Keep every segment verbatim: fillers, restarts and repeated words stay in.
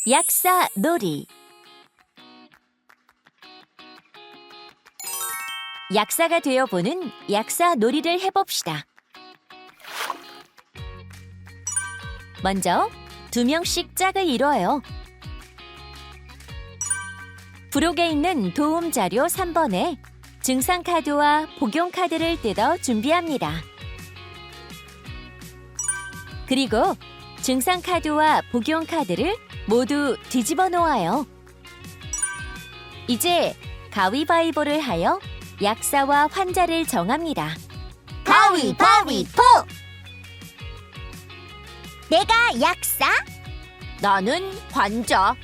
약사 놀이. 약사가 되어보는 약사 놀이를 해봅시다. 먼저 두 명씩 짝을 이뤄요. 부록에 있는 도움 자료 삼 번에 증상 카드와 복용 카드를 뜯어 준비합니다. 그리고 증상 카드와 복용 카드를 모두 뒤집어 놓아요. 이제 가위바위보를 하여 약사와 환자를 정합니다. 가위바위보! 내가 약사? 나는 환자.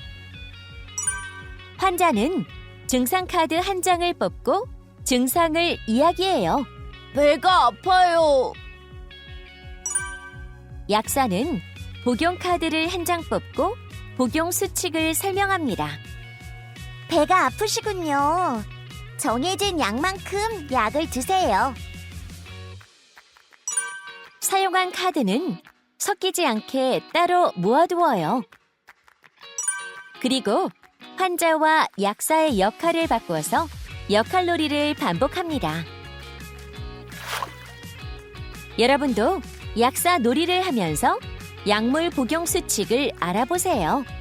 환자는 증상 카드 한 장을 뽑고 증상을 이야기해요. 배가 아파요. 약사는 복용 카드를 한 장 뽑고 복용 수칙을 설명합니다. 배가 아프시군요. 정해진 약만큼 약을 드세요. 사용한 카드는 섞이지 않게 따로 모아두어요. 그리고 환자와 약사의 역할을 바꾸어서 역할놀이를 반복합니다. 여러분도 약사 놀이를 하면서 약물 복용 수칙을 알아보세요.